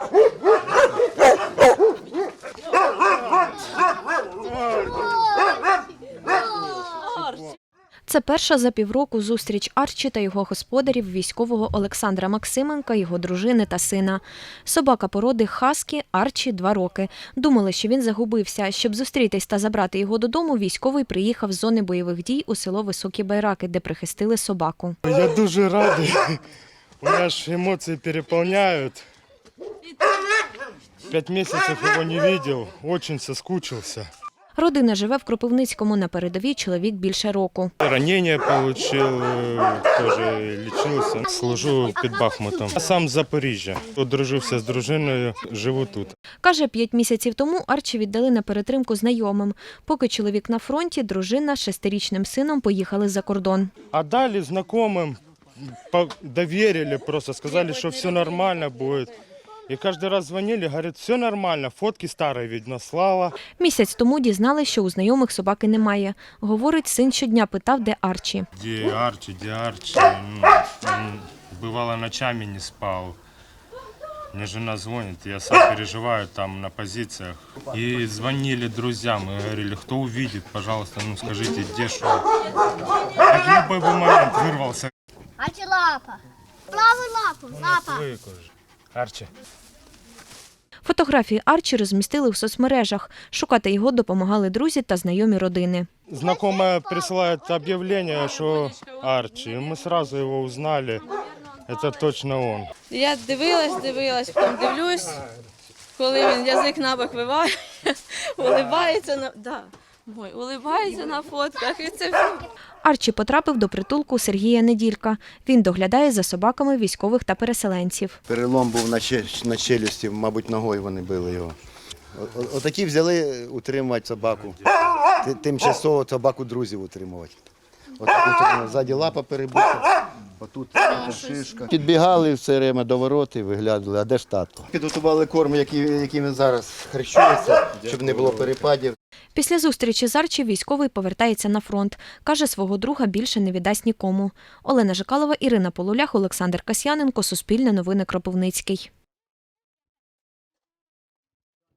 Це перша за півроку зустріч Арчі та його господарів, військового Олександра Максименка, його дружини та сина. Собака породи хаскі, Арчі 2 роки. Думали, що він загубився. Щоб зустрітись та забрати його додому, військовий приїхав з зони бойових дій у село Високі Байраки, де прихистили собаку. Я дуже радий. У мене ж емоції переповняють. 5 місяців його не бачив, дуже соскучився. Родина живе в Кропивницькому, на передовій чоловік більше року. Ранення отримав, теж лікувався. Служу під Бахмутом. Я сам з Запоріжжя. Одружився з дружиною, живу тут. Каже, 5 місяців тому Арчі віддали на перетримку знайомим. Поки чоловік на фронті, дружина з 6-річним сином поїхали за кордон. А далі знайомим довірили, просто сказали, що все нормально буде. І кожен раз дзвонили, говорять, все нормально, фотки старі видно, слава. Місяць тому дізнались, що у знайомих собаки немає. Говорить, син щодня питав, де Арчі. Де Арчі, де Арчі? Бувало, ночами не спав. Мне жена звонит, я сам переживаю там на позициях. И звонили друзьям и говорили, кто увидит, пожалуйста, ну скажите, где что. В любой бы момент вырвался. Арчі лапа. Праву лапа. Арчі. Фотографії Арчі розмістили в соцмережах. Шукати його допомагали друзі та знайомі родини. Знакомая присылает объявление, что Арчи. И мы сразу его узнали. Это точно он. Я дивилась, потім дивлюсь, коли він язик набок виває, улибається на фотках. І це все. Арчі потрапив до притулку Сергія Неділька. Він доглядає за собаками військових та переселенців. Перелом був на челюсті, мабуть, ногою вони били його. Отакі взяли утримувати собаку. Тимчасово собаку друзів утримувати. Отак ззаді лапа перебита, отут шишка. Підбігали все время до ворот і виглядали, а де ж татко? Підготували корм, яким він зараз харчується, щоб не було перепадів. Після зустрічі з Арчі військовий повертається на фронт. Каже, свого друга більше не віддасть нікому. Олена Жикалова, Ірина Полулях, Олександр Касьяненко, Суспільне новини, Кропивницький.